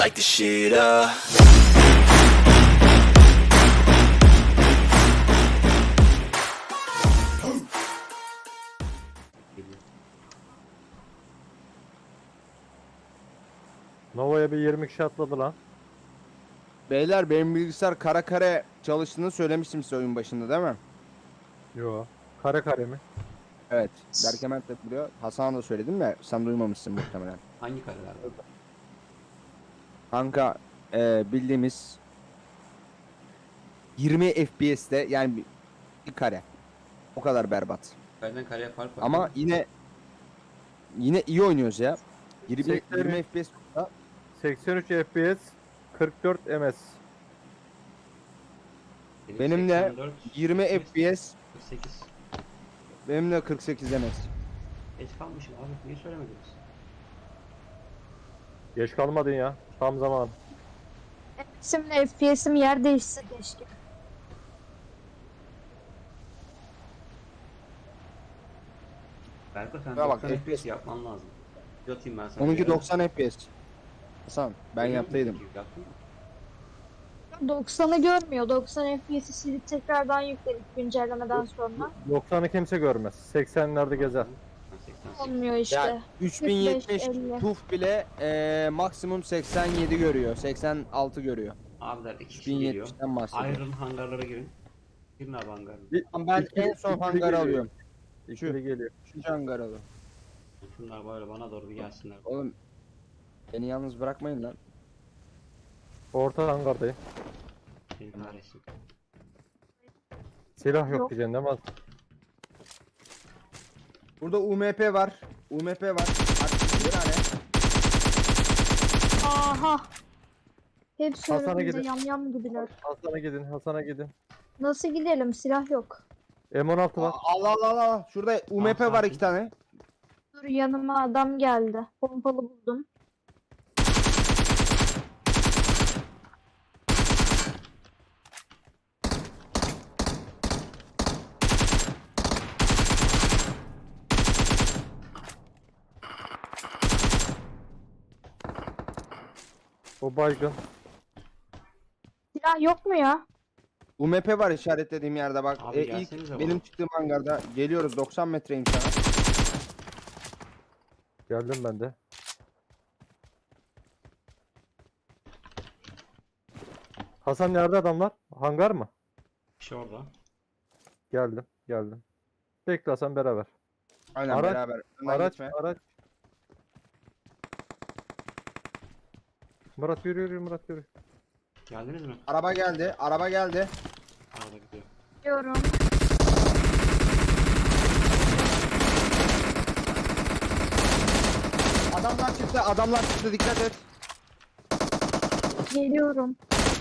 light the shit up. Nova'ya bir 20 kişi atladı lan. Beyler benim bilgisayar kara kare çalıştığını söylemiştim size oyun başında değil mi? Yo. Kare kare mi? Evet. Berkemen de biliyor. Hasan'a da söyledim de sen duymamışsın muhtemelen. Hangi kareler var? Kanka bildiğimiz 20 FPS'te yani bir kare. O kadar berbat. Kareden kareye fark var. Ama yine iyi oynuyoruz ya. 20 FPS 83 FPS 44 ms. benim de 84, 20 FPS 48. benim de 48 MS. Geç kalmışım abi. Niye söylemediniz? Geç kalmadın ya. Tam zaman. Şimdi FPS'im yer değişse keşke. Berko sen Ya bak, 90 FPS FPS yapman lazım. Yatayım ben sana. Onunki 90 FPS. Hasan ben yaptıydım. Yaptın mı? 90'ı görmüyor. 90 FPS'i silip tekrardan yükledik güncellemeden sonra. 90'ı kimse görmez. 80'lerde gezer. Ben 88. Olmuyor işte. Yani 3070 50. TUF bile maksimum 87 görüyor. 86 görüyor. Abiler 2 kişi geliyor. 1070'ten bahsediyor. Iron hangarlara girin. Girin abi hangarlara. Ben en son İkili hangarı geliyor. alıyorum. İkili geliyor. Üçüncü hangarı alıyorum. Şunlar böyle bana doğru bir gelsinler. Oğlum beni yalnız bırakmayın lan. Orta hangardayım. Beni kahretsin. Silah yok Yok. diyeceksin değil mi? Burada UMP var. UMP var. Artık bir tane. Aha. Hepsi Hasan'a önümüzde gidin. yamyam gibiler. Hasan'a gidin. Hasan'a gidin. Nasıl gidelim? Silah yok. M16 var. Allah Allah Allah. Şurada UMP var sakin. 2 tane. Dur yanıma adam geldi. Pompalı buldum. O baygın. Silah yok mu ya? UMP var işaretlediğim yerde bak. Abi gelsenize İlk bana. benim çıktığım hangarda geliyoruz 90 metreyim sana. Geldim ben de. Hasan nerede adamlar? Hangar mı? Bir şey orada. Geldim. Geldim. Bekle Hasan beraber. Aynen Araç- beraber. Önden Araç, gitme. araç. Murat yürü yürü Murat yürü. Geldiniz mi? Araba geldi. Araba geldi. Arada gidiyor. Diyorum. Adamlar çıktı. Adamlar çıktı. Dikkat et. Geliyorum.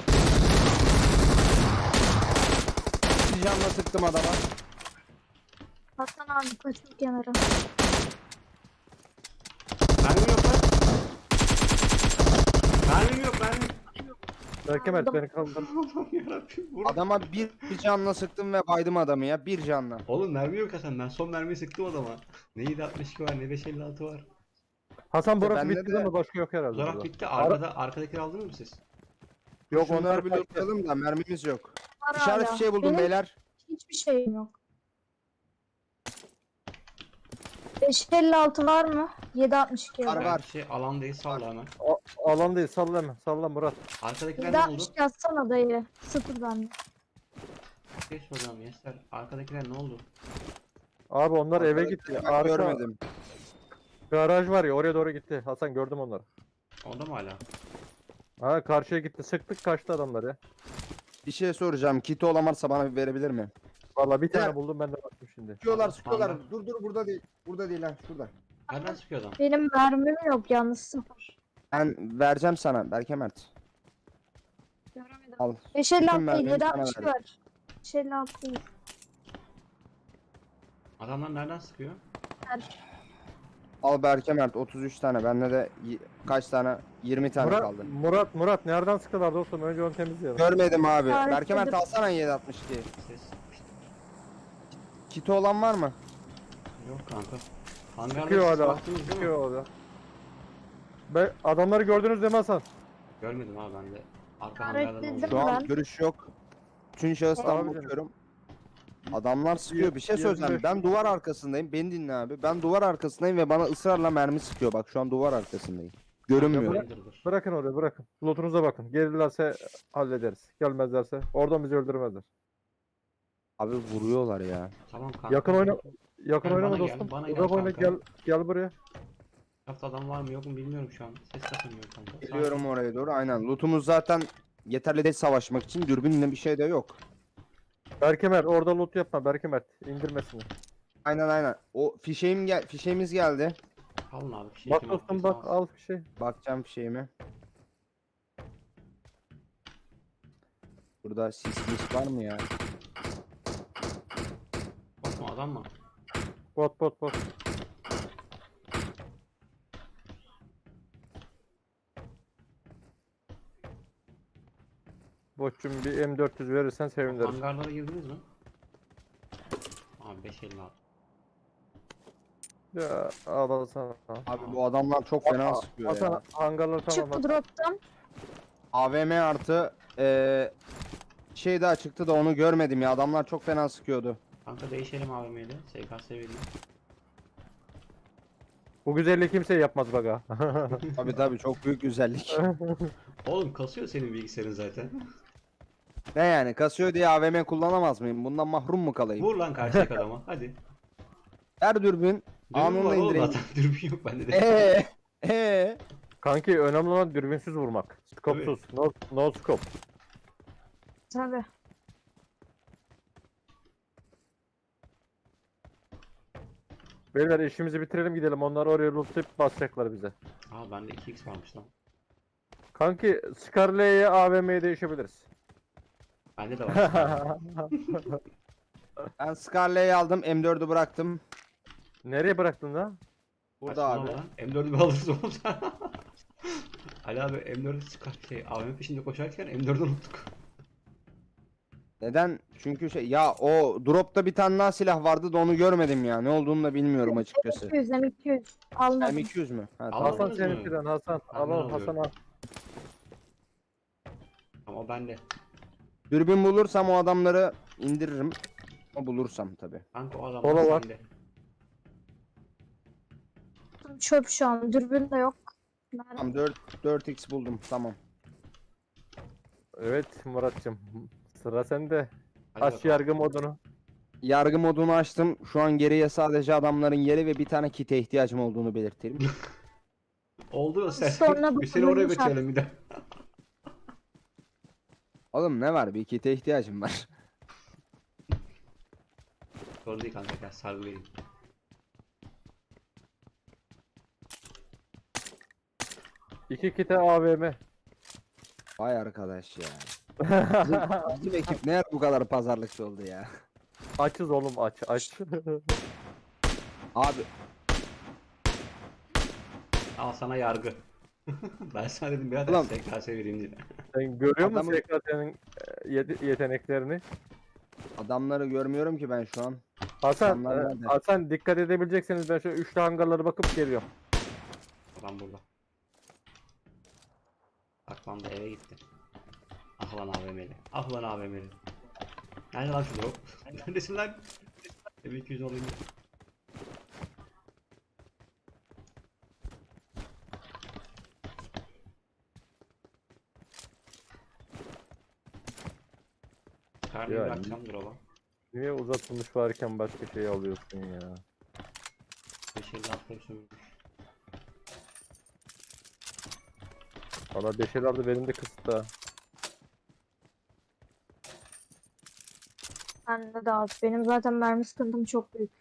Bir canla sıktım adama. Hasan abi kaçın kenara. Mermim yok lan. Mermim yok mermim. Belki Mert beni kaldır. Allah'ım yarabbim. Vur. Adama bir canla sıktım ve baydım adamı ya. Bir canla. Oğlum mermi yok Hasan. Ben son mermiyi sıktım adama. Ne 7.62 var ne 5.56 var. Hasan burası bende bitti de- değil mi? Başka yok herhalde. Zorak burada. bitti. Arkadakileri aldınız mı siz? Yok Şunları onlar bir kaçtı. lootlayalım da mermimiz yok. Var İşaret hala. bir şey buldum Benim beyler. hiçbir şeyim yok. 556 var mı? 762 Var, var. var. Şey alan değil salla hemen. Alan değil salla hemen. Salla Murat. Arkadakiler ne oldu? 762 atsana dayı. Sıfır bende. Bir şey soracağım Yester. Arkadakiler ne oldu? Abi onlar eve gitti. Ben Arka görmedim. garaj var ya oraya doğru gitti. Hasan gördüm onları. Orada mı hala? Ha karşıya gitti. Sıktık kaçtı adamlar ya. Bir şey soracağım. Kiti olan varsa bana bir verebilir mi? Vallahi bir tane Ya. buldum ben de baktım şimdi. Sıkıyorlar Tamam. sıkıyorlar. Dur burada değil. Burada değil ha şurada. Nereden sıkıyor adam? Benim mermim yok yalnız sıfır. Ben vereceğim sana Berke Mert. Göremedim. Al. 556 değil mermimi sana 762 var. 556 değil. Adamlar nereden sıkıyor? Al Berke Mert 33 tane. Bende de kaç tane? 20 tane Murat, kaldı. Murat nereden sıktılar dostum? Önce onu temizleyelim. Görmedim abi. Evet, Berke Mert dedim. alsana 762. Ses. Kiti olan var mı? Yok kanka. Hangarda Çıkıyor siz hala. baktınız değil mi? Çıkıyor hala. Adamları gördünüz değil mi Hasan? Görmedim abi ben de. Arka Ben hangardan reddettim. oldu. Şu an Ben- görüş yok. Üçüncü şahıstan Abicim. bakıyorum. Adamlar sıkıyor. Bir şey söyleyeceğim. 25. Ben duvar arkasındayım. Beni dinle abi. Ben duvar arkasındayım ve bana ısrarla mermi sıkıyor. Bak şu an duvar arkasındayım. Görünmüyor. Raider'dır. Bırakın oraya bırakın. Loot'unuza bakın. Gelirlerse hallederiz. Gelmezlerse oradan bizi öldürmezler. Abi vuruyorlar ya. Tamam kanka. Yakın oyna. Yakın Gel oynama bana gel, dostum. bana gel Uzak oyna kanka. gel buraya. Etrafta adam var mı yok mu bilmiyorum şu an. Ses kasamıyorum kanka. Geliyorum oraya doğru. Aynen. Lootumuz zaten yeterli değil savaşmak için. Dürbünle bir şey de yok. Berkemer orada loot yapma Berkemer. İndirmesin. Aynen. O fişeğimiz geldi. Alın abi. Bir şey Bak kim dostum attıysa bak alsın. al bir şey. Bakacağım fişeğime. Burada sis var mı ya? Bot mu adam mı? Bot. Botçum bir M400 verirsen seviniriz. Hangarlara girdiniz mi? Abi 556. Ya al sana. Abi bu adamlar çok fena sıkıyor Hasan ya. hangarlar tamam. Çıktı drop'tan. AVM artı şey daha çıktı da onu görmedim ya. Adamlar çok fena sıkıyordu. Kanka değişelim AVM'yle. SKS vereyim. Bu güzelliği kimse yapmaz bak ha. Tabii çok büyük güzellik. Oğlum kasıyor senin bilgisayarın zaten. Ne yani kasıyor diye AVM kullanamaz mıyım? Bundan mahrum mu kalayım? Vur lan karşıdaki adama. Hadi. Her dürbün Dürbün anında var oğlum indireyim. zaten. Dürbün yok bende de. Kanki önemli olan dürbünsüz vurmak. Skopsuz. No scope. Tabii. Beyler işimizi bitirelim gidelim. Onlar oraya lootlayıp basacaklar bize. Aa bende 2x varmış lan. Kanki Scarlet'e AVM'ye değişebiliriz. Bende de var. Ben Scarlet'i aldım, M4'ü bıraktım. Nereye bıraktın lan? Burada abi. Saçmalama lan. M4'ü bir alırız oğlum sen. Ali abi M4'ü AVM peşinde koşarken M4'ü unuttuk. Neden? Çünkü ya o dropta bir tane daha silah vardı da onu görmedim ya. Ne olduğunu da bilmiyorum açıkçası. M200. Almadım. M200 mü? Ha, Al. tamam. Hasan Almadınız mı? seninkinden Hasan. Ben Al de al Hasan al. Ama o bende. Dürbün bulursam o adamları indiririm. O bulursam tabi. Kanka o adam Kola var. bende. Çöp şu an. Dürbün de yok. Nerede? Tamam 4x buldum tamam. Evet Muratcığım. Sıra sende. Hadi Aç bakalım. yargı modunu. Yargı modunu açtım. Şu an geriye sadece adamların yeri ve bir tane kite ihtiyacım olduğunu belirtelim. Oldu sen. Sonra Bir seni oraya bakılırmış götürelim bir de. Oğlum ne var? Bir kite ihtiyacım var. Sorun değil kanka gel sargı vereyim. İki kite AVM. Vay arkadaş ya. Bizim ekip ne bu kadar pazarlıkçı oldu ya. Açız oğlum aç. Abi Al sana yargı. Ben sana dedim birader Ulan. SKS vereyim diye. Sen görüyor musun Adamın- SKS'nin yeteneklerini? adamları görmüyorum ki ben şu an. Hasan, Adamlar nerede? Hasan dikkat edebileceksiniz. Ben şöyle üçlü hangarlara bakıp geliyorum. Adam burada. Saklandı eve gitti. Ah lan AVM'li. Ah lan AVM'li. Nerede lan şu drop? Neredesin lan? Eve 200 olayım. Karnıyı Ya, bırakacağım drop'a. Niye uzatılmış varken başka şey alıyorsun ya? Bir şey lafları sömürmüş. Valla deşeler de benim de kısıtta. Bende de az. Benim zaten mermi sıkıntım çok büyük.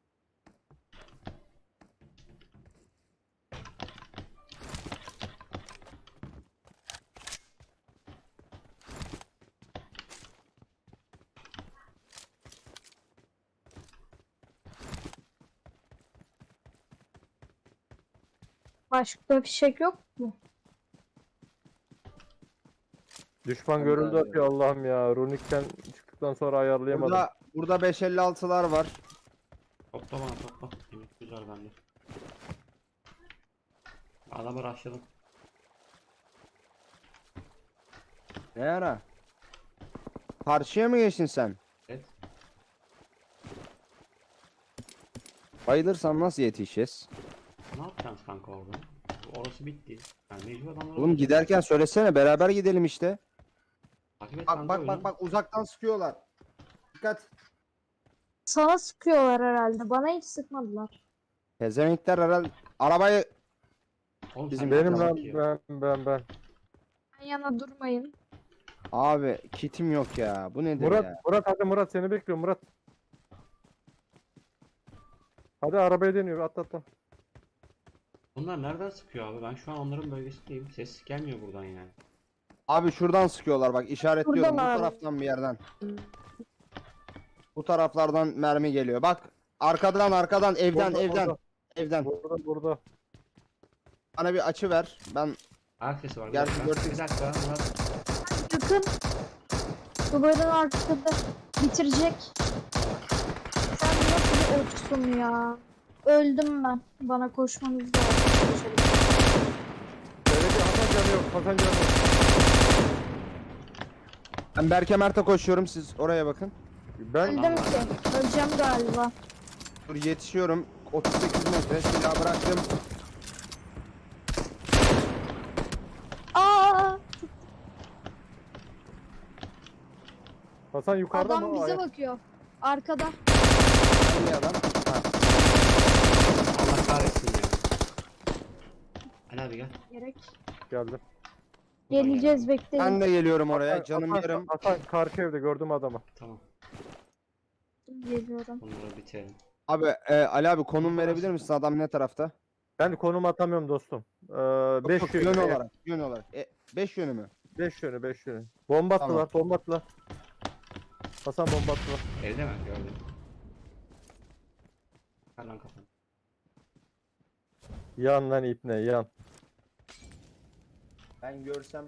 Başka fişek yok mu? Düşman Ben de görüldü arıyorum. atıyor Allah'ım ya. Runik'ten çıktıktan sonra ayarlayamadım. Burada 556'lar var. Topla bana topla. Yemek güzel bende. Adamı rushladım. Ne ara? Karşıya mı geçtin sen? Evet. Bayılırsam nasıl yetişeceğiz? Ne yapacağız kanka orada? Orası bitti. Yani mecbur adamlar Oğlum giderken söylesene beraber gidelim işte. Takip et Bak kanka bak oyunu. bak bak uzaktan sıkıyorlar. Dikkat. Sana sıkıyorlar herhalde. Bana hiç sıkmadılar. Pezevenkler herhalde arabayı Oğlum Bizim sen Benim nereden lan bakıyor? ben. Yan yana durmayın. abi kitim yok ya. Bu nedir Murat, ya? Murat hadi Murat seni bekliyorum Murat. Hadi arabaya deniyor atla. Bunlar nereden sıkıyor abi? Ben şu an onların bölgesindeyim. Ses gelmiyor buradan yani. Abi şuradan sıkıyorlar bak işaretliyorum bu Buradalar. taraftan bir yerden. Bu taraflardan mermi geliyor. Bak arkadan evden Burada, evden. burada. Bana bir açı ver. Ben Ayak sesi var. Bir Gerçi dakika. dört- Bir dakika. Murat. Yakın. Duvarın arkasında bitirecek. Sen nasıl bir oksun ya? Öldüm ben. Bana koşmanız lazım. Böyle bir Hasan canı yok. Hasan canı yok. ben Berke Mert'e koşuyorum. Siz oraya bakın. Ben Öldüm ki. Öleceğim galiba. Dur yetişiyorum. 38 metre silahı bıraktım. Aa! Hasan yukarıda Adam mı? bize bakıyor. Arkada. Hangi adam? Ha. Allah kahretsin ya. Ali abi gel. Gerek. Geldim. Geleceğiz bekleyin. Ben de geliyorum oraya. Canım Hasan, yarım. Hasan karşı evde gördüm adamı. Tamam. Geliyorum. Bunları bitirelim. Abi Ali abi konum verebilir misin? Adam ne tarafta? Ben konum atamıyorum dostum. 5 Yok, yönü. yön olarak. Yön olarak. 5 yönü mü? 5 yönü. Bomba attılar, bomba attılar. Hasan bomba attılar. Evde mi? Gördüm. Ver lan kafanı. Yan lan ipne yan. Ben görsem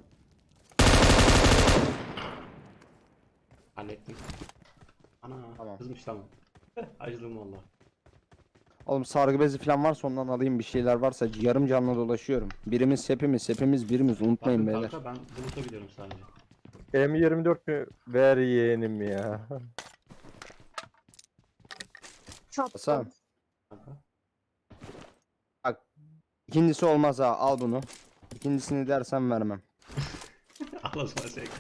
Hallettim. Ana. Tamam. Kızmış tamam. Acıdım valla. oğlum sargı bezi falan varsa ondan alayım bir şeyler varsa yarım canlı dolaşıyorum. Birimiz birimiz unutmayın Bakın beyler. kanka ben buluta gidiyorum sadece. M24 mü? Ver yeğenim ya. Hasan Çattım. Kanka. bak ikincisi olmaz ha al bunu. İkincisini dersen vermem. Al o zaman şey.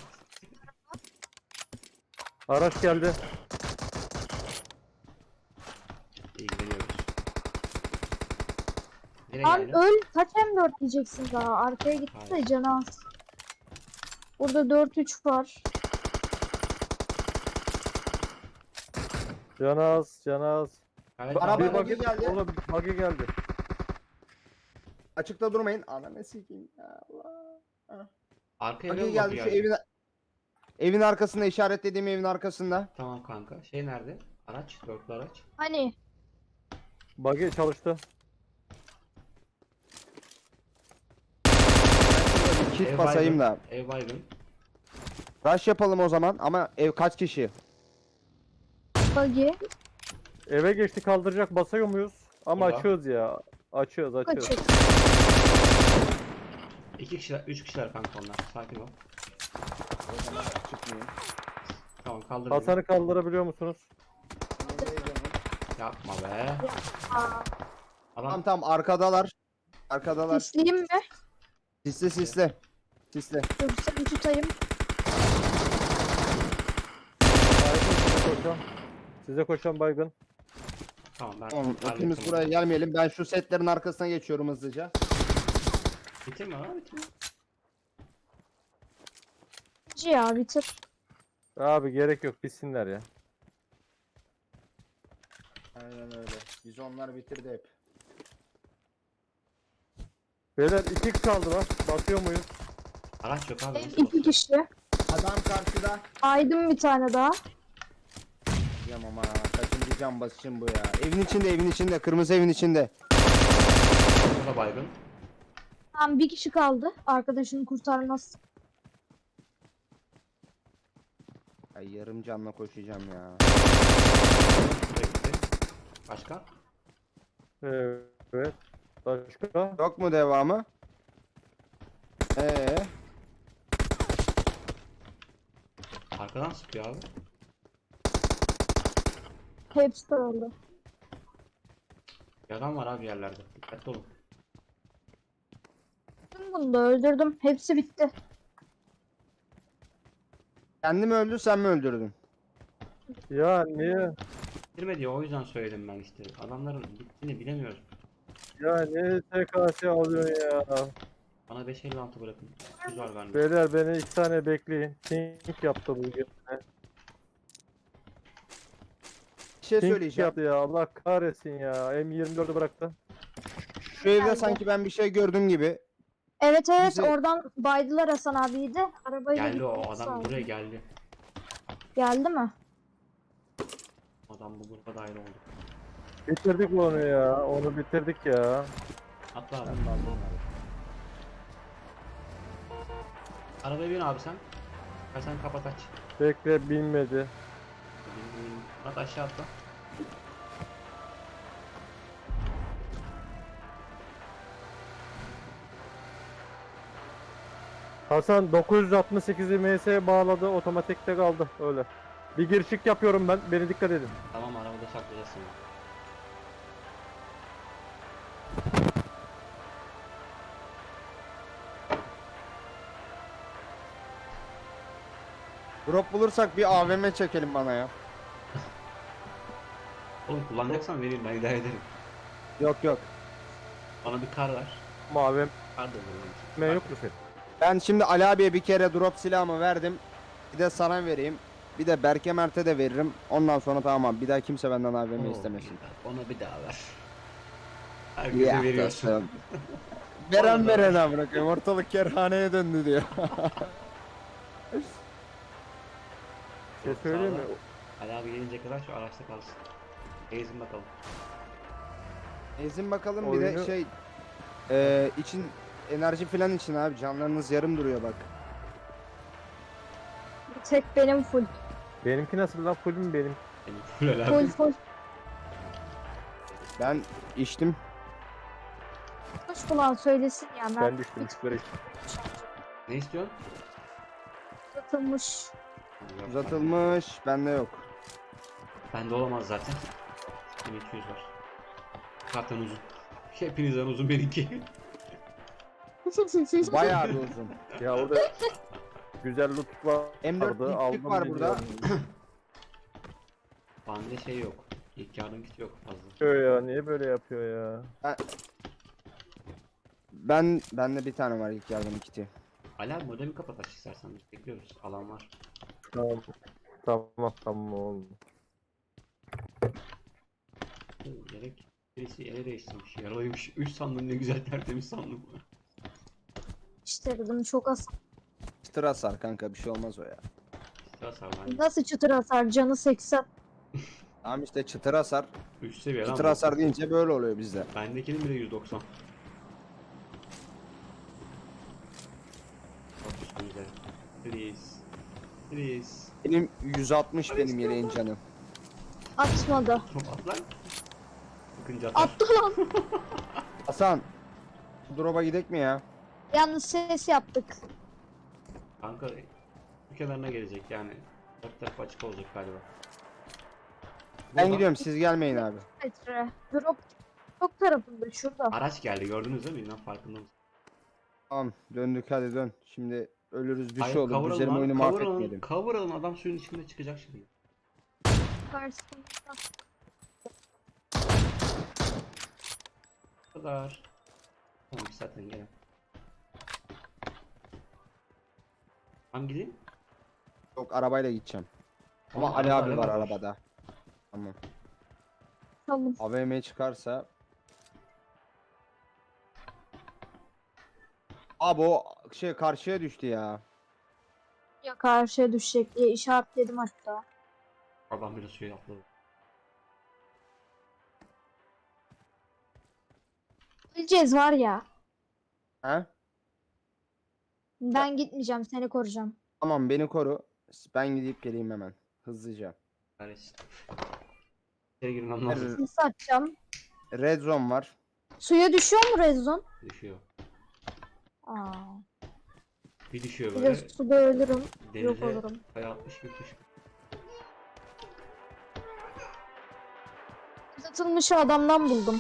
Araç geldi. İlgileniyoruz. Nereye Lan geldin? öl. Kaç M4 diyeceksin daha. Arkaya gitti de canı az. Burada 4-3 var. Canaz, canaz. Evet, Araba abi. Bir buggy buggy geldi. Oğlum buggy geldi. Açıkta durmayın. Ananı sikeyim ya Allah. Arkaya Buggy bir geldi şu evin arkasında işaretlediğim evin arkasında. Tamam kanka. Şey nerede? Araç. Dörtlü araç. Hani Buggy çalıştı. Bir kit Ev basayım baygın. da. Ev baygın. Rush yapalım o zaman ama ev kaç kişi? buggy. Eve geçti kaldıracak basıyor muyuz? Ama Burada. açığız ya. Açığız. Kaçık. 2 kişiler, 3 kişiler kanka onlar. Sakin ol. O zaman çıkmayayım. Tamam kaldır beni. Hasan'ı kaldırabiliyor musunuz? Yapma be. Aa, Adam Tamam arkadalar. Arkadalar. Sisleyeyim mi? Sisle. Dur seni tutayım. Baygın size koşan. Size koşan baygın. tamam ben Tamam hallettim hepimiz onu. buraya gelmeyelim. Ben şu setlerin arkasına geçiyorum hızlıca. Bitirme lan bitirme. Ya bitir. Abi gerek yok bitsinler ya. Aynen öyle. Biz onlar bitirdi hep. Beyler 2 kaldı lan. Basıyor muyuz? Araç yok abi. nasıl 2 basacağız? kişi. Adam karşıda. Aydım bir tane daha. Yamam ha. Kaçıncı cam basışım bu ya. Evin içinde. Kırmızı evin içinde. O da baygın. Tamam bir kişi kaldı. Arkadaşını kurtarmaz. Ay yarım canla koşacağım ya. Bu da gitti. Başka? Evet. Başka? Yok mu devamı? Arkadan sıkıyor abi. Hepsi öldü. Bir adam var abi yerlerde. Dikkatli olun. Bunu da öldürdüm. Hepsi bitti. Kendi mi öldü sen mi öldürdün? Ya niye? Bitirmedi o yüzden söyledim ben işte. Adamların bittiğini bilemiyoruz. Ya niye TKS alıyorsun ya? Bana 556 bırakın. 300 var bende. Beyler beni 2 saniye bekleyin. Pink yaptı bugün. Bir şey Pink söyleyeceğim. yaptı ya. Allah kahretsin ya. M24'ü bıraktı. Şu evde Geldi. sanki ben bir şey gördüm gibi. Evet evet Bizi- oradan baydılar Hasan abiyi de. Arabayla Geldi o gitmek adam lazım. buraya geldi. Geldi mi? Adam bu gruba dahil oldu. Bitirdik onu ya. Onu bitirdik ya. Atla abi. Arabaya bin abi sen. Sen kapat aç. Bekle bilmedi. Murat aşağı atla. Hasan 968'i MS'ye bağladı. Otomatikte kaldı. Öyle. Bir girişik yapıyorum ben. Beni dikkat edin. Tamam arabada saklayacağız seni. Drop bulursak bir AVM çekelim bana ya. Oğlum kullanacaksan vereyim ben idare ederim. Yok yok. Bana bir kar ver. Mavi Kar da olur benim için. M yok mu senin? Ben şimdi Ali abiye bir kere drop silahımı verdim. Bir de sana vereyim. Bir de Berke Mert'e de veririm. Ondan sonra tamam bir daha kimse benden AVM Oo, istemesin. Ona bir daha ver. Herkese Ya, veriyorsun. dostum. Veren verene bırakıyorum. Ortalık kerhaneye döndü diyor. Bir şey söyleyeyim mi? Ali abi gelince kadar şu araçta kalsın. Gezin bakalım. Ezin bakalım bir de Oyunu- şey için enerji falan için abi canlarınız yarım duruyor bak. Bir tek benim full. Benimki nasıl lan? Full mü benim? Benim full Ali Full abi. full. Ben içtim. Kuş bulan söylesin ya. Ben düştüm. Böyle Ne istiyorsun? Uzatılmış. Yok, Uzatılmış bende yok. bende olamaz zaten. 1200 var. Zaten uzun. Hepinizden uzun benimki. Bayağı bir uzun. Ya orada güzel loot vardı. M4 dik aldım var burada. biliyorum. Bende şey yok. İlk yardım kiti yok fazla. Yapıyor ya. Niye böyle yapıyor ya? Bende bir tane var ilk yardım kiti. Ali abi modemi kapat aç istersen. Biz bekliyoruz. Alan var. Tamam. Tamam oğlum. Gerek birisi ele değiştirmiş. Yaralıymış. 3 sandım ne güzel tertemiz sandım. İşte dedim çok az. Çıtır hasar kanka bir şey olmaz o ya. Sıra sar bende. Nasıl çıtır hasar? Canı 80. Tamam işte çıtır hasar. 3 seviye lan. Çıtır bu. hasar deyince böyle oluyor bizde. Bendekinin bile 190. Çok üstümüze. Please. Please. Benim 160 benim yeleğin canı. Atmadı. Çok at lan. Sıkınca atar. Attı lan. Hasan. Bu drop'a gidek mi ya? Yalnız ses yaptık. Kanka bu kenarına gelecek yani. Dört tarafı açık olacak galiba. Ben Buradan gidiyorum siz gelmeyin abi. Metre. Drop tarafında şurada. Araç geldi gördünüz değil mi? İnan farkında mısın? Tamam döndük hadi dön. Şimdi ölürüz bir Hayır, şey olur. kavuralım Üzerime lan, oyunu kavuralım, mahvetmeyelim. kavuralım adam suyun içinde çıkacak şimdi. Karşısında. Bu kadar. Tamam zaten gel. Tamam gideyim. Yok arabayla gideceğim. Ama Tamam, Ali arada abi var araba var. arabada. Tamam. Tamam. AVM çıkarsa. Abi o şey karşıya düştü ya. Ya karşıya düşecek diye işaretledim hatta. Adam bile suya atladı. Gideceğiz var ya. He? Ben gitmeyeceğim seni koruyacağım. Tamam beni koru. Ben gidip geleyim hemen. Hızlıca. Kahretsin. İçeri girmem lazım. Seni satacağım. Red zone var. Suya düşüyor mu rezon? Düşüyor. Aa. Bir düşüyor Bir de böyle. suda ölürüm. Yok Denize olurum. kaya atmış gibi kuş. Satılmış adamdan buldum.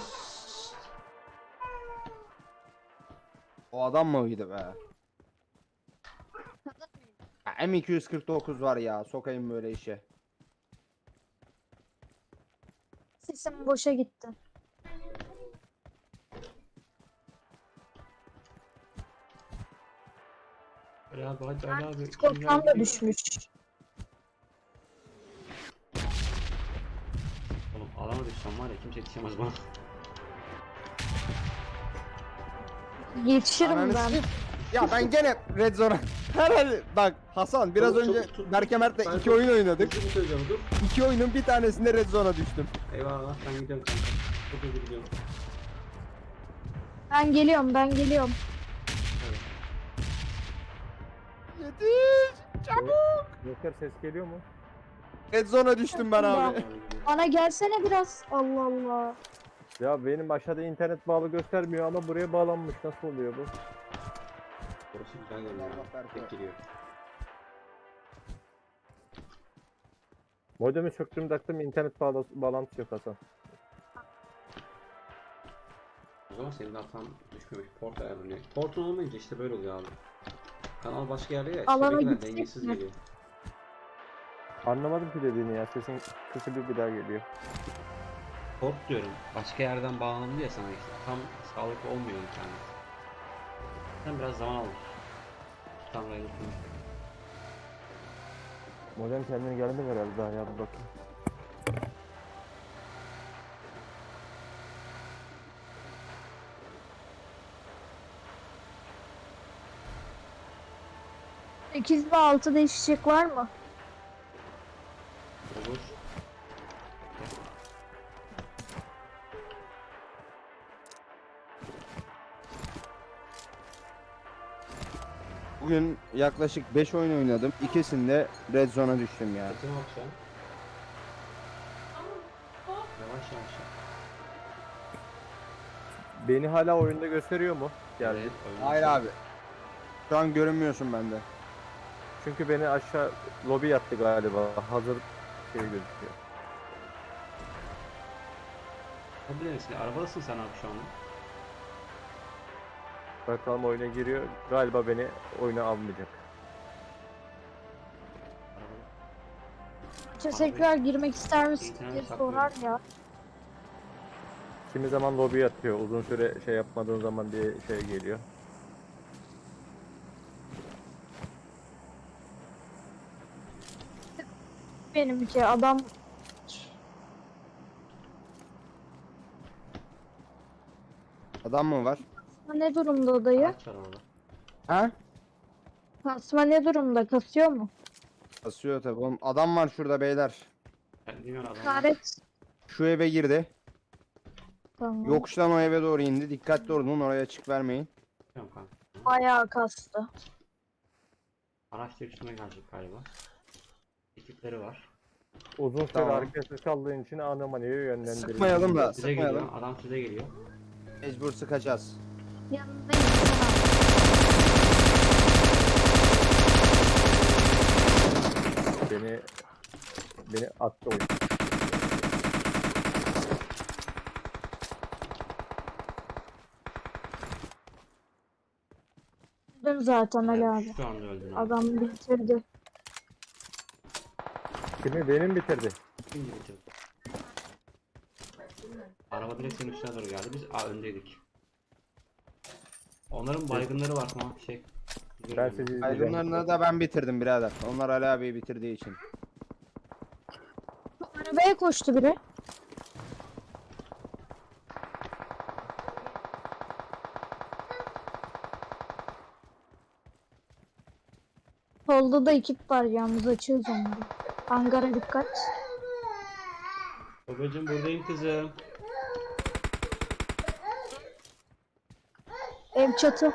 O adam mıydı be? Ya, M249 var ya, sokayım böyle işe. Sesim boşa gitti. Ali abi hadi Ali abi. Korkmam da düşmüş. Oğlum alana düşsem var ya kimse yetişemez bana. Yetişirim Ananı ben. sikeyim. Ya ben gene red zone'a. Herhalde bak Hasan, biraz Çabuk, önce çabuk tut. Berke Mert'le Ben 2 oyun oynadık. Hızlı söyleyeceğim dur. 2 oyunun bir tanesinde red zone'a düştüm. Eyvallah ben gidiyorum kanka. Çok hızlı gidiyorum. Ben geliyorum, ben geliyorum. Evet. Yetiş! Joker ses geliyor mu? Red zone'a düştüm ben abi. Abi gidiyorum. Bana gelsene biraz. Allah Allah. Ya benim aşağıda internet bağlı göstermiyor ama buraya bağlanmış. Nasıl oluyor bu? Orası güzel görünüyor. Allah Berke. Tek geliyor. Modemi söktüm taktım internet bağlantısı yok Hasan. O zaman senin hatan düşmemiş. Port ayarlanıyor. Portun olmayınca işte böyle oluyor abi. Kanal başka yerde ya. Alana Alana gitsek dengesiz mi? geliyor. Anlamadım ki dediğini ya. Sesin kısık bir daha geliyor. Port diyorum. Başka yerden bağlandı ya sana işte. Tam sağlıklı olmuyor internet. Sen biraz zaman alır. Tam raylı konuş. Modem kendine geldi herhalde daha ya, bir bakayım. Sekiz ve 6 değişecek var mı? Olur. Bugün yaklaşık 5 oyun oynadım. İkisinde red zone'a düştüm ya. Sesime bak şu an. Yavaş yavaş. Beni hala oyunda gösteriyor mu? Geldi. Evet, oyun Hayır başladı. abi. Şu an görünmüyorsun bende. Çünkü beni aşağı lobi yattı galiba. Hazır şey gözüküyor. Hadi misin? Arabadasın sen abi şu anda. Bakalım oyuna giriyor. Galiba beni oyuna almayacak. Arabada. İşte tekrar girmek ister misin İnternet diye saklıyorum. sorar ya. Kimi zaman lobi yatıyor. Uzun süre şey yapmadığın zaman diye şey geliyor. Benimki adam Adam mı var? ne durumda odayı? Araç var orada. Ha? Kasma ne durumda? Kasıyor mu? Basıyor tabi oğlum. Adam var şurada beyler. Ben bilmiyorum adam. İşaret. Şu eve girdi. Tamam. Yokuştan o eve doğru indi. Dikkatli olun, oraya açık vermeyin. Bilmiyorum kanka. Bayağı kastı. Araç da üstüme gelecek galiba. Ekipleri var. Uzun süre Tamam. arkasız kaldığın için anomaliye yönlendirildi. Sıkmayalım da, Size sıkmayalım. geliyor. Adam size geliyor. Mecbur sıkacağız. Yanındayım. Beni attı oyun. Öldüm zaten Ali abi. Şu anda öldün abi. Adam bitirdi. Kimi benim bitirdi. Kim bitirdi? Araba direkt senin üstüne doğru geldi. Biz öndeydik. Onların baygınları var tamam şey. Ben Görüyorum. sizi izleyeceğim. Aydınlarını da ben bitirdim birader. Onlar Ali abiyi bitirdiği için. Arabaya koştu biri. Solda da ekip var yalnız açığız onları. Hangara dikkat. Babacım buradayım kızım. Ev çatı.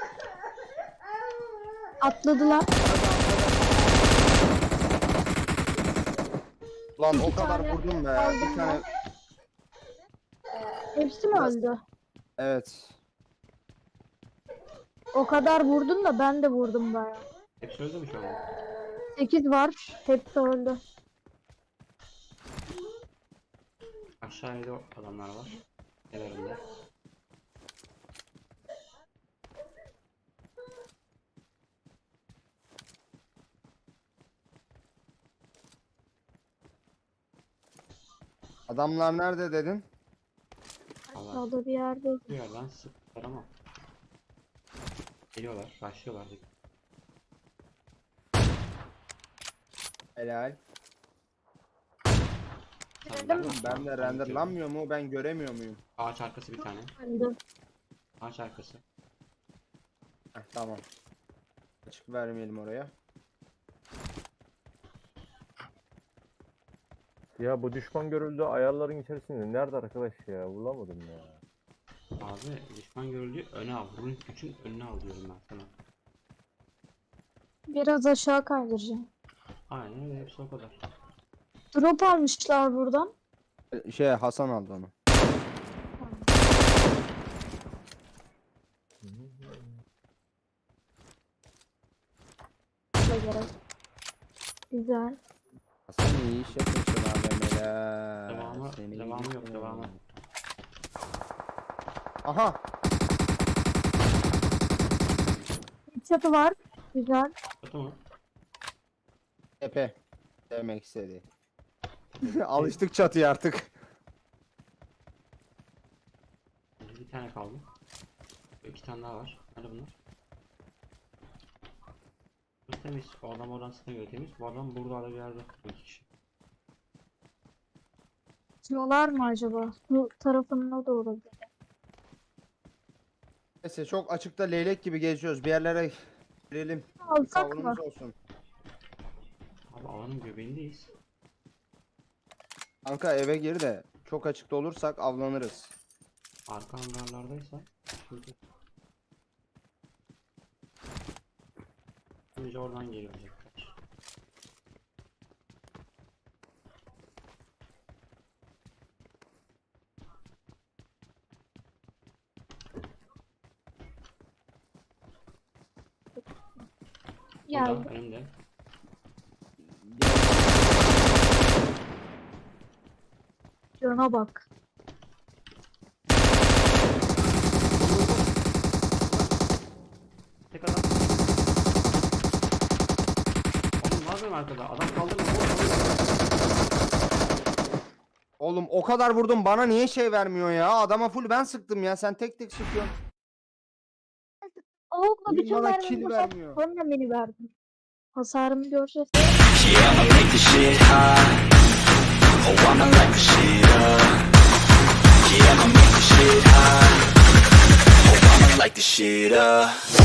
Atladılar. Lan o İki kadar tane vurdum be. aldım Bir tane. Hepsi mi öldü? Evet. O kadar vurdun da ben de vurdum baya. Hepsi öldü mü şu anda? 8 var. Hepsi öldü. Aşağıya da adamlar var. Kenarında. Adamlar nerede dedin? Allah. Aşağıda bir yerde. Bir yerden sıktılar ama. Geliyorlar, başlıyorlar. Helal. Tamam, mi? Ben de renderlanmıyor mu? Ben göremiyor muyum? Ağaç arkası bir tane. Öldü. Ağaç arkası. Heh, tamam. Açık vermeyelim oraya. Ya bu düşman görüldü ayarların içerisinde. Nerede arkadaş ya? Bulamadım ya. Abi düşman görüldü öne al. Bunun gücün önüne al diyorum ben sana. Biraz aşağı kaydıracağım. Aynen öyle, hepsi o kadar. Drop almışlar buradan. Hasan aldı onu. Da gerek. Güzel. Hasan iyi iş yapıyorsun AVM'ler. Devamı yok, devamı. Aha. Bir çatı var. Güzel. Kötü mü? Tepe. Demek istedi. Alıştık çatıya artık. Bir tane kaldı. İki tane daha var. Nerede bunlar? Bu temiz. O adam oradan sıkına göre temiz. Bu adam burada bir yerde. Bu iki kişi. Atıyorlar mı acaba? Bu tarafında da olabilir. Neyse çok açıkta leylek gibi geziyoruz. Bir yerlere girelim. Bir Alsak mı? tavrımız olsun. Abi alanın göbeğindeyiz. Kanka eve gir de çok açıkta olursak avlanırız. Arka hangarlardaysa sıkıntı. Önce oradan gelecekler. Geldi. Burada önümde. Cana bak. Tek adam. Oğlum ne yapıyorum arkada? Adam kaldırma. Oğlum o kadar vurdum bana niye şey vermiyor ya? Adama full ben sıktım ya. Sen tek tek sıkıyorsun. Avukla Oyun bütün bana mermimi kill boşalt. vermiyor. Sonra beni verdim. Hasarımı göreceğiz. Yeah, I'ma make this shit hot. Oh, I'ma light the shit up. Yeah, I'ma make this shit hot. Oh, I'ma light the shit up.